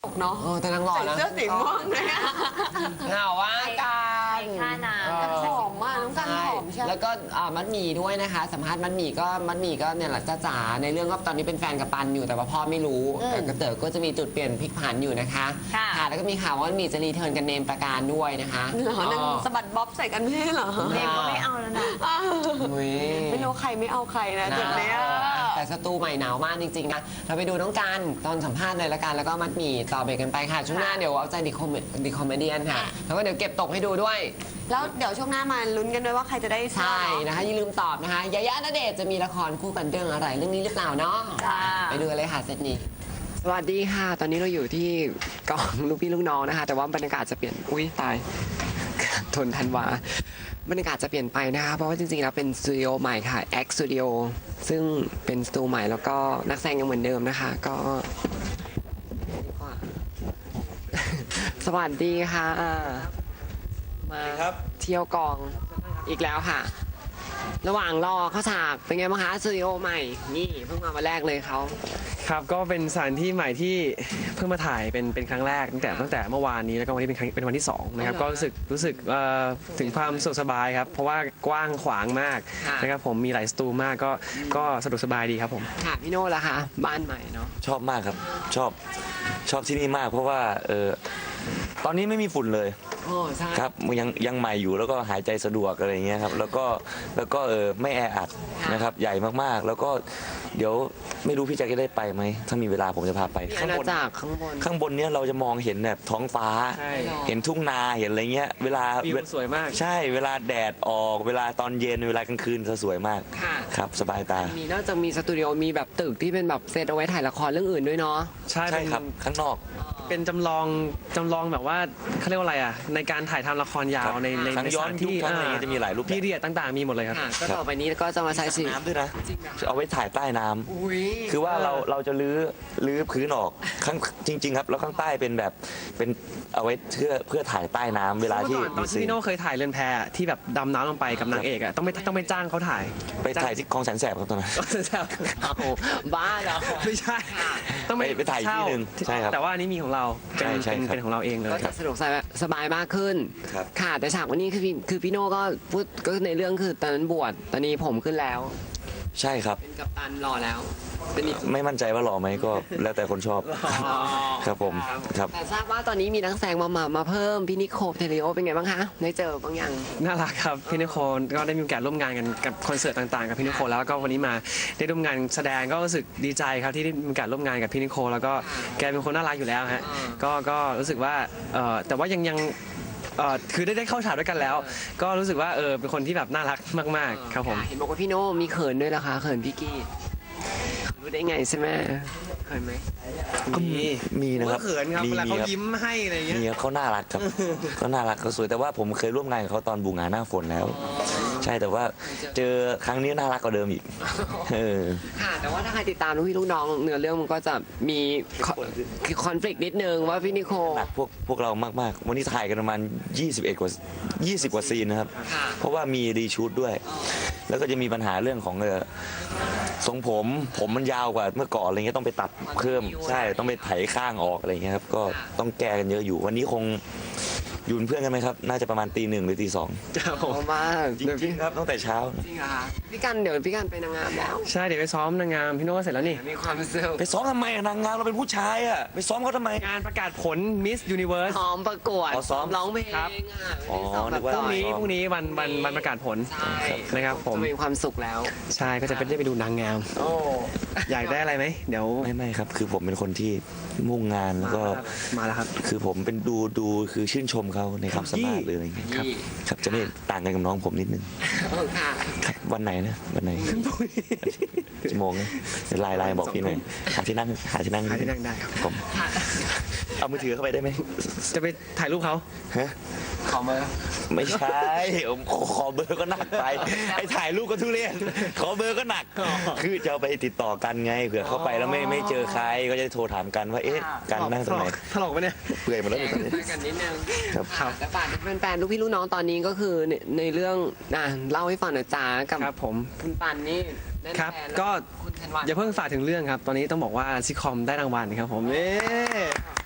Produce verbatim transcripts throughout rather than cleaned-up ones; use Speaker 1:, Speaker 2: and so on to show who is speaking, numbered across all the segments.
Speaker 1: เนาะ
Speaker 2: เออแต่นางหล่อ
Speaker 1: ใส่
Speaker 2: นะ
Speaker 1: เสื้อสีม่วงเลยอะ
Speaker 2: เหงาว่ากัน
Speaker 3: ค่าน้ำ
Speaker 1: กันหอมมากน้องกันหอมใช่ไหม
Speaker 2: แล้วก็อ่ามัดหมี่ด้วยนะคะ สัมภาษณ์มัดหมี่ก็มัดหมี่ก็เนี่ยแหละจ้าจ๋าในเรื่องก็ตอนนี้เป็นแฟนกับปันอยู่แต่ว่าพ่อไม่รู้แต่กระเต๋อก็จะมีจุดเปลี่ยนพลิกผันอยู่นะคะ
Speaker 3: ค่ะ
Speaker 2: แล้วก็มีข่าวว่ามัดหมี่จะรีเทิร์นกันเนมประการด้วยนะคะ
Speaker 1: เหรอนางสะบัดบ๊อบใส่กันไม่ใช่เหรอ
Speaker 3: เนมก็ไม่เอาแล้วนะ
Speaker 1: อ้าว
Speaker 2: อุ๊ย
Speaker 1: ไม่รู้ใครไม่เอาใครนะจุดเนี้ย
Speaker 2: แต่สตูใหม่หนาวมากจริงๆนะเราไปดูน้องกันตอนสัมภาษณ์เลยละกันแล้วก็มัดหมี่ต่อเบรกกันไปค่ะช่วงหน้าเดี๋ยวเอาใจดิคอมดิคอมเมเดียนค่ะแล้วก็เดี๋ยวเก็บตกให้ดูด้วย
Speaker 1: แล้วเดี๋ยวช่วงหน้ามาลุ้นกันด้วยว่าใครจะได้เสื้อ
Speaker 2: ใช่
Speaker 1: เนาะ
Speaker 2: นะคะอย่าลืมตอบนะคะยายาณเดชน์จะมีละครคู่กันเรื่องอะไรเรื่องนี้หรือเปล่าเนาะ
Speaker 3: จ้า
Speaker 2: ไปดูกันเลยค่ะเซตนี้สวัสดีค่ะ ตอนนี้เราอยู่ที่กองลูกพี่ลูกน้องนะคะ แต่ว่าบรรยากาศจะเปลี่ยนอุ้ยตาย ทนทันวาบรรยากาศจะเปลี่ยนไปนะคะเพราะว่าจริงๆแล้วเป็นสตูดิโอใหม่ค่ะ X Studio ซึ่งเป็นสตูใหม่แล้วก็นักแสดงยังเหมือนเดิมนะคะ ก็ สวัสดีค่ะมาเที่ยวกองอีกแล้วค่ะ ระหว่างรอเข้าฉากเป็นไงบ้างคะสตูดิโอใหม่นี่เพิ่งมาวันแรกเลยเขา
Speaker 4: ครับก็เป็นสถานที่ใหม่ที่เพิ่งมาถ่ายเป็นเป็นครั้งแรกตั้งแต่ตั้งแต่เมื่อวานนี้แล้วก็วันนี้เป็นครั้งเป็นวันที่สองนะครับก็รู้สึกรู้สึกเอ่อถึงความสะดวกสบายครับเพราะว่ากว้างขวางมากนะครับผมมีหลายสตูมากก็ก็สะดวกสบายดีครับผม
Speaker 2: ค่ะพี่โน่ล่ะคะบ้านใหม่เนาะ
Speaker 5: ชอบมากครับชอบชอบที่นี่มาก เพราะว่าเออตอนนี้ไม่มีฝุ่นเลย
Speaker 2: โอ้ใช่
Speaker 5: ครับยังยังใหม่อยู่แล้วก็หายใจสะดวกอะไรอย่างเงี้ยครับแล้วก็แล้วก็เออไม่แออัดนะครับใหญ่มากๆ แล้วก็เดี๋ยวไม่รู้พี่แจ็คจะได้ไปไหมถ้ามีเวลาผมจะพาไป
Speaker 2: มีอา
Speaker 5: ข้าง
Speaker 2: ณา
Speaker 5: บน
Speaker 2: จักรข้างบน
Speaker 5: ข้างบนเนี้ยเราจะมองเห็นแบบท้องฟ้า
Speaker 4: ใช่
Speaker 5: เห็นทุ่งนาเห็นอะไรเงี้ยเวลา
Speaker 4: วิวสวยมาก
Speaker 5: ใช่เวลาแดดออกเวลาตอนเย็นเวลากลางคืนจะสวยมาก
Speaker 2: ค่ะ
Speaker 5: ครับสบายตา
Speaker 2: มีนอกจากมีสตูดิโอมีแบบตึกที่เป็นแบบเซตเอาไว้ถ่ายละครเรื่องอื่นด้วยเนาะ
Speaker 4: ใช่
Speaker 5: ใช่
Speaker 4: เป็น
Speaker 5: ครับข้างนอก
Speaker 4: เป็นจำลองจำลองแบบว่าเขาเรียกว่าอะไรอ่ะในการถ่ายทำละครยาวในใน
Speaker 5: ทั้ง
Speaker 4: ใน
Speaker 5: ย้
Speaker 4: ส
Speaker 5: อน
Speaker 4: ถาน
Speaker 5: ยุค
Speaker 4: ที่
Speaker 5: ทั้งอะไรเงี้ยจะมีหลายรูปแบบ
Speaker 4: พีเรียดต่างๆมีหมดเลยครับ
Speaker 2: ค่ะก็ต่อไปนี้ก็จะมาใช้สี
Speaker 5: น้ำด้วยนะ
Speaker 2: จริงเหรอ
Speaker 5: เอาไว้ถ่ายใต้น้ำ
Speaker 2: อุ้ย
Speaker 5: คือว่าเราเราจะลื้อลื้อพื้นออกข้างจริง ๆ ครับ แล้วข้างใต้เป็นแบบเป็นเอาไว้เพื่อเพื่อถ่ายใต้น้ำเวลา
Speaker 4: เมื่อ
Speaker 5: ที่
Speaker 4: ก่อนตอน
Speaker 5: มี
Speaker 4: ที่
Speaker 5: ซีน
Speaker 4: พี่โน่เคยถ่ายเรือนแพที่แบบดำน้ำลงไปกับนางเอกอ่ะต้องไปต้องไปจ้างเขาถ่าย
Speaker 5: ไปถ่ายที่คลองแสนแสบครับตอนนั้น
Speaker 2: โอ้โหบ้าเหรอ
Speaker 4: ไม่ใช่ต้องไป
Speaker 5: ไปไปถ่ายอีกที่หนึ่งใช่ครับ
Speaker 4: แต่ว่าอันนี้มีของเราเป็น
Speaker 5: ใช่ใช่
Speaker 4: เป็น
Speaker 5: ครับ
Speaker 4: เป็นของเราเองเลย
Speaker 2: ก็จะสะดวกสบายมากขึ้น
Speaker 5: ครับ
Speaker 2: ค่ะ แต่ฉากวันนี้คือพี่คือพี่โน่ก็พูดก็ในเรื่องคือตอนนั้นบวชตอนนี้ผมขึ้นแล้ว
Speaker 5: ใช่ครับ
Speaker 2: เป็นกัปตันรอแล้วเป็นอีก
Speaker 5: ไม่มั่นใจว่าหล่อไหมก็แล้วแต่คนชอบครับผมครับ
Speaker 2: แต่ทราบว่าตอนนี้มีนักแสดงมามามาเพิ่มพี่นิโคเทเลโอเป็นไงบ้างคะได้เจอบางอย่าง
Speaker 4: น่ารักครับพี่นิโคลก็ได้มีโอกาสร่วมงานกันกับคอนเสิร์ตต่างๆกับพี่นิโคลแล้วก็วันนี้มาได้ร่วมงานแสดงก็รู้สึกดีใจครับที่ได้มีโอกาสร่วมงานกับพี่นิโคลแล้วก็แกเป็นคนน่ารักอยู่แล้วฮะก็ก็รู้สึกว่าเอ่อแต่ว่ายังยังเอ่อคือได้ได้เข้าฉากด้วยกันแล้ว ก็รู้สึกว่าเออเป็นคนที่แบบน่ารักมากๆครับผม
Speaker 2: เห็นบอกว่าพี่โน่มีเขินด้วยเหรอคะเขินพี่กี้รู้ได้ไงใช่ไหมเขินไหม
Speaker 5: ก็มีมีนะครับ
Speaker 4: ก็เขินครับ
Speaker 5: มี
Speaker 4: เวลาเขา
Speaker 5: ครับ
Speaker 4: ยิ้มให้อะไรอย่างเงี้ย
Speaker 5: มีครับเขาน่ารักครับ เขาน่ารักเขาสวยแต่ว่าผมเคยร่วมงานกับเขาตอนบูงานหน้าฝนแล้ว ใช่แต่ว่าเจอครั้งนี้น่ารักกว่าเดิมอีกเออ
Speaker 2: ค่ะแต่ว่าถ้าใครติดตามลูกพี่ลูกน้องเนื้อเรื่องมันก็จะมีคอน FLICT นิดนึงว่าพี่นิโค
Speaker 5: หนักพวกพวกเรามากๆ วันนี้ถ่ายกันประมาณยี่สิบเอ็ดกว่ายี่สิบกว่าซีนนะครับ
Speaker 2: ค่ะ
Speaker 5: เพราะว่ามีรีชูดด้วย แล้วก็จะมีปัญหาเรื่องของเออทรงผมผมมันยาวกว่าเมื่อก่อนอะไรเงี้ยต้องไปตัดเพิ่มใช่ต้องไปไถข้างออกอะไรเงี้ยครับก็ต้องแก้กันเยอะอยู่ วันนี้คงอยู่เป็นเพื่อนกันไหมครับ น่าจะประมาณตีหนึ่งหรือตีสอง
Speaker 4: ครับผม
Speaker 2: เพราะว่า
Speaker 5: จริงๆครับตั้งแต่เช้า
Speaker 2: จริงเหรอคะพี่กันเดี๋ยวพี่กันไปนางงามแล้ว
Speaker 4: ใช่เดี๋ยวไปซ้อมนางงามพี่โน่ก็เสร็จแล้วนี่
Speaker 2: มีความสุข
Speaker 5: ไปซ้อมทำไมอะนางงามเราเป็นผู้ชายอะไปซ้อมเขาทำไม
Speaker 4: งานประกาศผล Miss Universe
Speaker 2: ซ้อมประกวด
Speaker 5: อ๋อซ้อม
Speaker 2: ร้องเพลง
Speaker 4: ครับ
Speaker 2: อ่ะ
Speaker 5: อ๋อ
Speaker 2: ซ้อมแบบ
Speaker 5: นึกว่า
Speaker 4: พรุ่งนี้
Speaker 2: ต่อย
Speaker 4: พรุ่งนี้วันวันวันประกาศผล
Speaker 2: ใช่
Speaker 4: นะครับผม
Speaker 2: จะมีความสุขแล้ว
Speaker 4: ใช่ก็จะไปได้ไปดูนางงาม
Speaker 2: โอ้
Speaker 4: อยากได้อะไรไหมเดี๋ยว
Speaker 5: ไม่ไม่ครับ คือผมเป็นคนที่มุ่งงานแล้วก็
Speaker 4: มาแล้วครับ
Speaker 5: คือผมเป็นดูดูคือชื่นชมเขาในความสามารถหรืออะไรเงี้ยครับครับจะไม่ต่างกันกับน้องผมนิดนึง
Speaker 2: เออค่ะ
Speaker 5: ครับวันไหนนะวันไหนชั่วโมงนะเดี๋ยวไลน์ไลน์บอกพี่หน่อยหาที่นั่งหาที่นั่ง
Speaker 4: หาที่นั่งได้ครับ
Speaker 5: ผมเอามือถือเข้าไปได้ไหม
Speaker 4: จะไปถ่ายรูปเขา
Speaker 5: ฮะ
Speaker 2: ขอเบอร์
Speaker 5: ไม่ใช่ผมขอเบอร์ก็หนักไปไอ้ถ่ายรูปก็ทุเรศขอเบอร์ก็หนัก คือจะเอาไปติดต่อกันไงเผื่อเข้าไปแล้วไม่ไม่เจอใครก็จะได้โทรถามกันว่าเอ๊ะกันนั่งตรงไหน
Speaker 4: ถลอกไปเนี่ย
Speaker 5: เปื่อยหมดแล้ว
Speaker 2: แข่
Speaker 5: ตอนนี้
Speaker 2: งกันนิดนึง
Speaker 5: ครับ
Speaker 2: ค่ะแต่ฝากแฟนๆลูกพี่ลูกน้องตอนนี้ก็คือในในเรื่องอ่ะเล่าให้ฟังหน่อยจ้ากับ
Speaker 4: ครับผม
Speaker 2: คุณปันนี่เล่น
Speaker 4: ครับ
Speaker 2: แทนแล้ว
Speaker 4: ก็
Speaker 2: คุณธันวา
Speaker 4: อย่าเพิ่งฝากถึงเรื่องครับ ตอนนี้ต้องบอกว่าซิคอมได้รางวัลครับผมเอ๊
Speaker 2: ฝ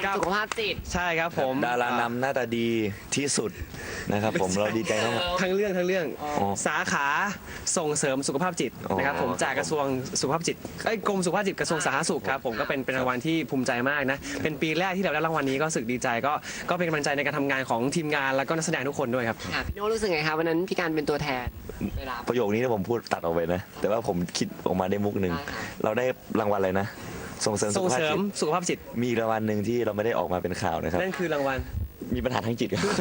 Speaker 2: สุขภาพจิต
Speaker 4: ใช่ครับผม
Speaker 5: ดารานำหน้าตาดีที่สุดนะครับผมเราดีใจมาก
Speaker 4: ทั้งเรื่องทั้งเรื่อง
Speaker 5: อ๋อ
Speaker 4: สาขาส่งเสริมสุขภาพจิตนะครับผม
Speaker 5: อ๋อ
Speaker 4: จากกระทรวงสุขภาพจิตเอ้ยกรมสุขภาพจิตกระทรวงสาธารณสุขครับผมก็เป็นเป็นรางวัลที่ภูมิใจมากนะเป็นปีแรกที่เราได้รางวัลนี้ก็รู้สึกดีใจก็ก็เป็นกำลังใจในการทำงานของทีมงานแล้วก็นักแสดงทุกคนด้วยครับ
Speaker 2: ค่ะพี่โน้รู้สึกไงคะวันนั้นพี่การเป็นตัวแทนเวลา
Speaker 5: ประโยคนี้เนี่ยผมพูดตัดออกไปนะ แต่ว่าผมคิดออกมาได้มุกหนึ่ง
Speaker 2: ได้ค่ะ
Speaker 5: เราได้รางวัลอะไรนะ ส่งเสริมสุ
Speaker 4: ส่
Speaker 5: ข
Speaker 4: ง
Speaker 5: ภาพ
Speaker 4: เสริ
Speaker 5: จิ
Speaker 4: ม
Speaker 5: ต
Speaker 4: สุขภาพจิต
Speaker 5: มีอีกรางวัลหนึ่งที่เราไม่ได้ออกมาเป็นข่าวนะครับ
Speaker 4: นั่นคือรางวัล
Speaker 5: มีปัญหาทางจิตครับ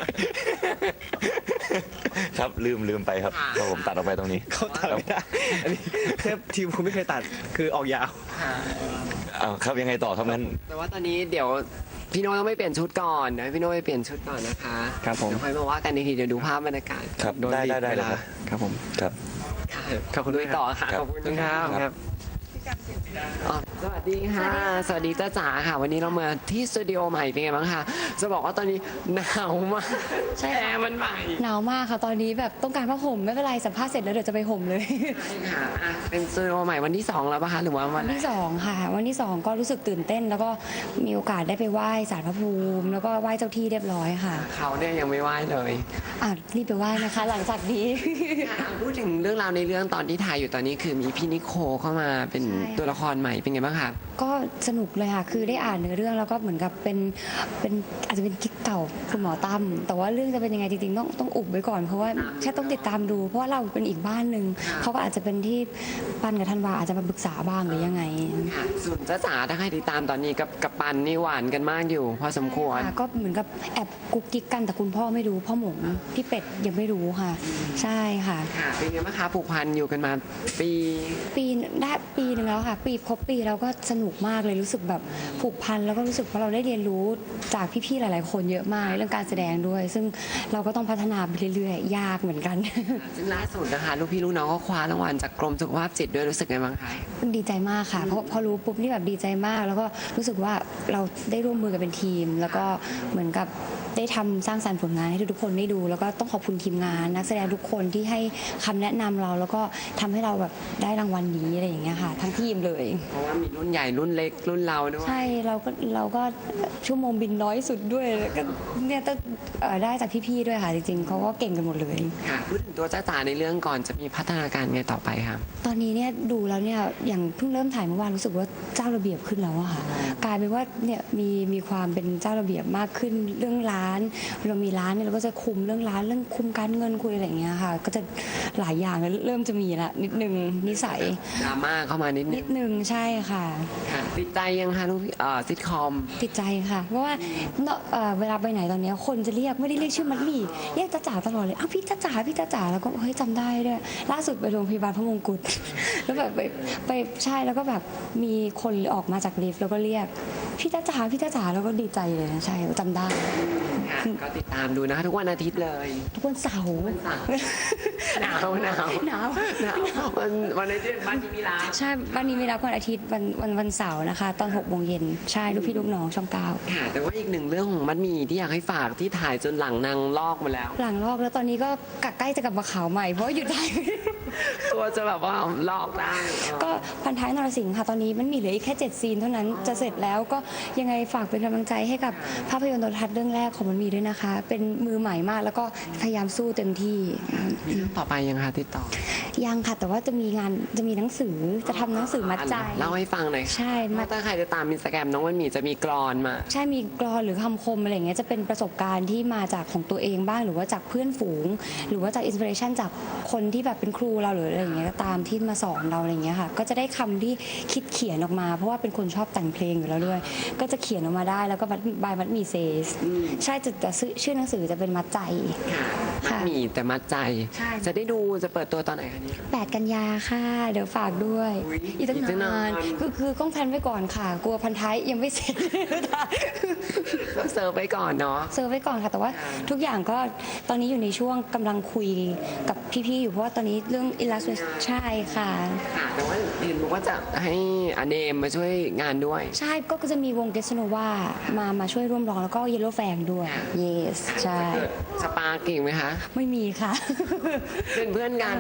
Speaker 5: ครับลืมลืมไปครับก็ผมตัดออกไปตรงนี้
Speaker 4: เขาตัดไม่ได้อันนี้เทปทีมผมไม่เคยตัดคือออกยาว
Speaker 5: อ้าวครับยังไงต่อครับงั้น
Speaker 2: แต่ว่าตอนนี้เดี๋ยวพี่โน้ต้องไม่เปลี่ยนชุดก่อนเดี๋ยวให้พี่โน้ไปเปลี่ยนชุดก่อนนะคะ
Speaker 4: ครับผม
Speaker 2: เดี๋ยวค่อยมาว่ากันอีกทีเดี๋ยวดูภาพบรรยากาศ
Speaker 5: ครับ
Speaker 4: โดน
Speaker 5: ได้
Speaker 4: บีบ
Speaker 5: ได้ได้
Speaker 4: เว
Speaker 5: เลย
Speaker 4: ลา
Speaker 5: ครับ
Speaker 4: ครับผม
Speaker 5: ครับ
Speaker 2: ค่ะ
Speaker 4: ขอบคุณ
Speaker 2: ลุ
Speaker 4: ด้วย
Speaker 2: ย
Speaker 4: ครับ
Speaker 2: ต่อค่ะ
Speaker 5: ครับ
Speaker 2: ขอบคุณ
Speaker 4: ขอบคุณครับ
Speaker 2: ะ
Speaker 4: ครับ
Speaker 2: อ๋อสวัสดีค่ะ สวัสดีจ้าจ๋าค่ะ วันนี้เรามาที่สตูดิโอใหม่เป็นไงบ้างคะจะบอกว่าตอนนี้หนาวมาก
Speaker 3: ใช่
Speaker 2: แอ
Speaker 3: ค่ะ
Speaker 2: ร์มันใหม่
Speaker 3: หนาวมากค่ะตอนนี้แบบต้องการผ้าห่มไม่เป็นไรสัมภาษณ์เสร็จแล้วเดี๋ยวจะไปห่มเลย
Speaker 2: ค่ะอ่ะเป็นสตูดิโอใหม่วันที่สองแล้วปะคะหรือว่าวั
Speaker 3: วัน นที่สองค่ะ วันที่สองก็รู้สึกตื่นเต้น แล้วก็มีโอกาสได้ไปไหว้ศาลพระภูมิ แล้วก็ไหว้เจ้าที่เรียบร้อยค่ะ
Speaker 2: เขาเนี่ยยังไม่ไหวเลย
Speaker 3: อ่ะรีบไปไหว้นะคะ หลังจากนี้
Speaker 2: ค่ะพูดถึงเรื่องราวในเรื่องตอนที่ถ่ายอยู่ตอนนี้คือมีพี่นิโคเข้ามาเป็น
Speaker 3: ใช่ค่ะ
Speaker 2: ตัวละครใหม่เป็นไงบ้างคะ
Speaker 3: ก็สนุกเลยค่ะ คือได้อ่านเนื้อเรื่องแล้วก็เหมือนกับเป็นเป็นอาจจะเป็นกิ๊กเก่าคุณหมอตั้มแต่ว่าเรื่องจะเป็นยังไงจริงๆต้องต้องอุบไว้ก่อนเพราะว่าแค่ต้องติดตามดู เพราะว่าเราเป็นอีกบ้านหนึ่งเขาก็อาจจะเป็นที่ปันกับธันวาอาจจะมาปรึกษาบ้างหรือยังไง
Speaker 2: ค่ะส่วนจ้าจ๋าถ้าใครติดตามตอนนี้กับกับปันนี่หวานกันมากอยู่ พอสมควร
Speaker 3: ค่ะก็เหมือนกับแอบกุ๊กกิ๊กกันแต่คุณพ่อไม่รู้พ่อหมงพี่เป็ดยังไม่รู้ค่ะ ใช่ค่ะ
Speaker 2: ค่ะเป็นไงบ้างคะผูกพันอยู่กันมาปี
Speaker 3: ปีได้ปีหนึ่งแล้วค่ะ ปีครบปีแล้วก็สนุกมากเลยรู้สึกแบบผูกพันแล้วก็รู้สึกว่าเราได้เรียนรู้จากพี่ๆหลาย ๆ คนเยอะมากเรื่องการแสดงด้วย ซึ่งเราก็ต้องพัฒนาไปเรื่อยๆ ยากเหมือนกัน
Speaker 2: ซึ่งล่าสุดนะคะลูกพี่ลูกน้องก็คว้ารางวัลจากกรมสุขภาพจิตด้วยรู้สึกไงบ้างคะ
Speaker 3: ดีใจมากค่ะ เพราะพอรู้ปุ๊บนี่แบบดีใจมาก แล้วก็รู้สึกว่าเราได้ร่วมมือกันเป็นทีม แล้วก็เหมือนกับได้ทำสร้างสรรค์ผลงานให้ทุกๆคนได้ดู แล้วก็ต้องขอบคุณทีมงาน นักแสดงทุกคนที่ให้คำแนะนำเรา แล้วก็ทำให้เราแบบได้รางวัลนี้อะไรอย่างเงี้ยค่ะ ทั้งทีมเลย
Speaker 2: เพราะว่ามีรุ่นใหญ่รุ่นเล็กรุ่นเราด้วย
Speaker 3: ใช่เราก็เราก็ชั่วโมงบินน้อยสุดด้วยแล้วก็เนี่ยต้องเอ่อได้จากพี่ๆด้วยค่ะจริงๆเขาก็เก่งกันหมดเลย
Speaker 2: ค่ะพูดถึงตัวจ้าจ๋าในเรื่องก่อนจะมีพัฒนาการไงต่อไปคะ
Speaker 3: ตอนนี้เนี่ยดูแล้วเนี่ยอย่างเพิ่งเริ่มถ่ายเมื่อวานรู้สึกว่าเจ้าระเบียบขึ้นแล้วอะค่ะกลายเป็นว่าเนี่ยมีมีความเป็นเจ้าระเบียบมากขึ้นเรื่องร้านเรามีร้านเนี่ยเราก็จะคุมเรื่องร้านเรื่องคุมการเงินคุยอะไรอย่างเงี้ยค่ะ ก็จะหลายอย่างแล้วเริ่มจะมีละนิดนึงนิสัย
Speaker 2: ดราม่าเข้ามานิดนึ
Speaker 3: นิ
Speaker 2: ง
Speaker 3: ดนึงใช่ค่ะ
Speaker 2: ค่ะติดใจยังคะลูกพี่เอ่อซิทคอม
Speaker 3: ติดใจค่ะ เพราะว่าเนอะเอ่อเวลาไปไหนตอนเนี้ยคนจะเรียกไม่ได้เรียกชื่อมัดหมี่เรียกจ้าจ๋าตลอดเลยอ้าวพี่จ้าจ๋าพี่จ้าจ๋าแล้วก็เฮ้ยจำได้ด้วยล่าสุดไปโรงพยาบาลพระมงกุฎ แล้วแบบไปไปใช่แล้วก็แบบมีคนออกมาจากลิฟต์แล้วก็เรียกพี่จ้าจ๋าพี่จ้าจ๋าแล้วก็ดีใจเลยนะใช่จำได้
Speaker 2: ค่ะก็ติดตามดูนะคะทุกวันอาทิตย์เลย
Speaker 3: ทุกวันเสาร์
Speaker 2: หนาวหนาว
Speaker 3: หนาว
Speaker 2: หนาววันวันอาทิตย์บ้านที่มีร้าน
Speaker 3: ใช่วันนี้มีรับวันอาทิตย์วันวันวันเสาร์นะคะ ตอนหกโมงเย็นใช่ลูกพี่ลูกน้องช่องเก้า
Speaker 2: ค่ะแต่ว่าอีกหนึ่งเรื่องของมัดหมีที่อยากให้ฝากที่ถ่ายจนหลังนางลอกมาแล้ว
Speaker 3: หลังลอกแล้วตอนนี้ก็ใกล้จะกลับมาขาวใหม่เพราะว่าหยุดได้
Speaker 2: ตัวจะแบบว่าลอกได้
Speaker 3: ก็พันท้ายนรสิงห์ค่ะ ตอนนี้มันมีเหลืออีกแค่เจ็ดซีนเท่านั้นจะเสร็จแล้วก็ยังไงฝากเป็นกำลังใจให้กับภาพยนตร์โทรทัศน์เรื่องแรกของมันมีด้วยนะคะ เป็นมือใหม่มากแล้วก็พยายามสู้เต็มที่
Speaker 2: ต่อไปยังคะติดต่อ
Speaker 3: ยังค่ะ แต่ว่าจะมีงานจะมีหนังสือจะทำหนังสือมัดใจ
Speaker 2: เล่าให้ฟังหน่อย
Speaker 3: ใช่มั
Speaker 2: มา
Speaker 3: ด
Speaker 2: ถ้าใครจะตามอินสตาแกรมน้องมันหมีจะมีกรอนมา
Speaker 3: ใช่มีกรอนหรือคำคมอะไรอย่างเงี้ยจะเป็นประสบการณ์ที่มาจากของตัวเองบ้างหรือว่าจากเพื่อนฝูง หรือว่าจากอินสปิเรชันจากคนที่แบบเป็นครูเราหรืออะไรอย่างเงี้ยก็ตามที่มาสอนเราอะไรอย่างเงี้ยค่ะ ก็จะได้คำที่คิดเขียนออกมา เพราะว่าเป็นคนชอบแต่งเพลงอยู่แล้วด้วย ก็จะเขียนออกมาได้แล้วก็บัดบายมัดมีเซสใช่จะจะชื่อหนังสือจะเป็นมัดใจ
Speaker 2: มัดหมีแต่มัดใจ
Speaker 3: ใช่
Speaker 2: จะได้ดูจะเปิดตัวตอนไหนคะเนี่ย
Speaker 3: แปดกันยาค่ะ เดี๋ยวฝากด้วย
Speaker 2: อุ๊ย
Speaker 3: อีกตั้ง
Speaker 2: อีกตั้งนาน
Speaker 3: นานคือคือต้องแพลนไว้ก่อนค่ะ กลัวพันท้ายยังไม่เสร็จ
Speaker 2: เซิร์ฟไปก่อนเนาะ
Speaker 3: เซอร์ไว้ก่อนค่ะ แต่ว่าทุกอย่างก็ตอนนี้อยู่ในช่วงกำลังคุยกับพี่ๆอยู่เพราะว่าตอนนี้เรื่อง illustration ใช่ค่ะ
Speaker 2: ค่ะแต่ว่าเห็นบอกว่าจะให้อเนมมาช่วยงานด้วย
Speaker 3: ใช่ก็จะมีวงเกสโนวามามาช่วยร่วมร้องแล้วก็เยลโล่แฟงด้วย yes ใช่
Speaker 2: สปาเก่งไหมคะ
Speaker 3: ไม่มีค่ะ
Speaker 2: เป็นเพื่อนกันเนาะ
Speaker 3: ใช่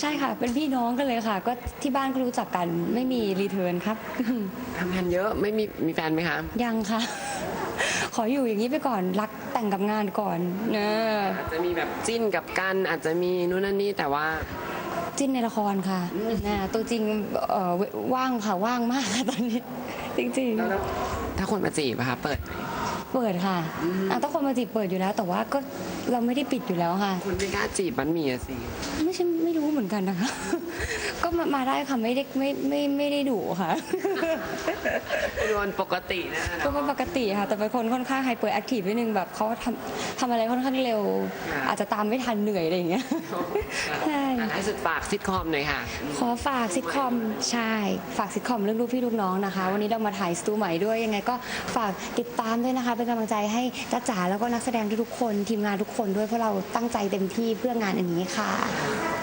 Speaker 3: ค่ะ เป็นพี่น้องกันเลยค่ะ ก็ที่บ้านก็รู้จักกันไม่มีรีเทิร์นครับ
Speaker 2: ทำงานเยอะไม่มีมีแฟนไหมคะ
Speaker 3: ยังค่ะ ขออยู่อย่างนี้ไปก่อนรักแต่งกับงานก่อนเนอะ
Speaker 2: อาจจะมีแบบจิ้นกับกันอาจจะมีนู่นนั่นนี่แต่ว่า
Speaker 3: จิ้นในละครค่ะนะตัวจริงเอ่อว่างค่ะว่างมากค่ะตอนนี้ จริง
Speaker 2: แล้วถ้าคนมาจีบอะคะเปิด
Speaker 3: ๆ เปิดค่ะอ่ะถ้าคนมาจีบเปิดอยู่แล้ว แต่ว่าก็เราไม่ได้ปิดอยู่แล้วค่ะ
Speaker 2: คนไม่กล้าจีบมันมีอะสิ
Speaker 3: ไม่ใช่ไม่รู้เหมือนกันนะคะ ก็มามาได้ค่ะไม่ได้ไม่ไม่ไม่ได้ดุค่ะ
Speaker 2: เป็นวันปกตินะคะ
Speaker 3: ก็เป็นปกติค่ะ แต่เป็นคนค่อนข้างไฮเปอร์แอคทีฟนิดนึงแบบเขาทำทำอะไรค่อนข้างเร็ว อาจจะตามไม่ทันเหนื่อยอะไรอย่างเงี้ย ใช่
Speaker 2: อ่ะท้ายสุดฝากซิทคอมหน่อยค่ะ
Speaker 3: ขอฝากซิทคอมใช่ ฝากซิทคอมเรื่องลูกพี่ลูกน้องนะคะ วันนี้เรามาถ่ายสตูใหม่ด้วยยังไงก็ฝากติดตามด้วยนะคะ เป็นกำลังใจให้จ้าจ๋าแล้วก็นักแสดงทุกๆคนทีมงานทุกคนด้วยเพราะเราตั้งใจเต็มที่เพื่องานอันนี้ค่ะ